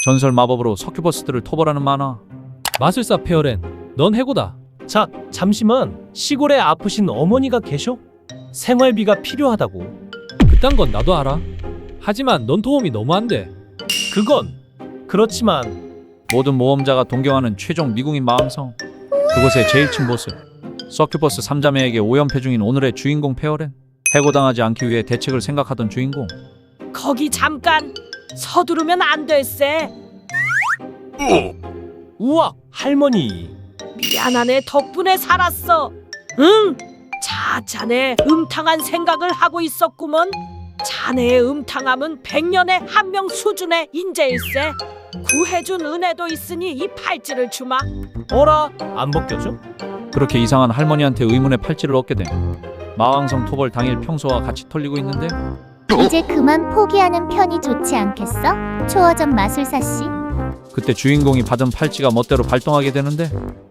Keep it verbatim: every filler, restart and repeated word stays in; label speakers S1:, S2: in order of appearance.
S1: 전설 마법으로 서큐버스들을 토벌하는 만화.
S2: 마술사 페어렌, 넌 해고다.
S3: 자, 잠시만. 시골에 아프신 어머니가 계셔? 생활비가 필요하다고.
S2: 그딴 건 나도 알아. 하지만 넌 도움이 너무 안 돼.
S3: 그건 그렇지만
S1: 모든 모험자가 동경하는 최종 미궁인 마왕성. 그곳의 제일 층 보스 서큐버스 삼자매에게 오연패 중인 오늘의 주인공 페어렌. 해고당하지 않기 위해 대책을 생각하던 주인공.
S4: 거기 잠깐 서두르면 안 될세.
S3: 우와, 할머니.
S4: 미안하네, 덕분에 살았어. 응? 자, 자네 음탕한 생각을 하고 있었구먼. 자네의 음탕함은 백년에 한 명 수준의 인재일세. 구해준 은혜도 있으니 이 팔찌를 주마.
S3: 어라, 안 벗겨져?
S1: 그렇게 이상한 할머니한테 의문의 팔찌를 얻게 돼. 마왕성 토벌 당일 평소와 같이 털리고 있는데
S5: 이제 그만 포기하는 편이 좋지 않겠어? 초어점 마술사 씨.
S1: 그때 주인공이 받은 팔찌가 멋대로 발동하게 되는데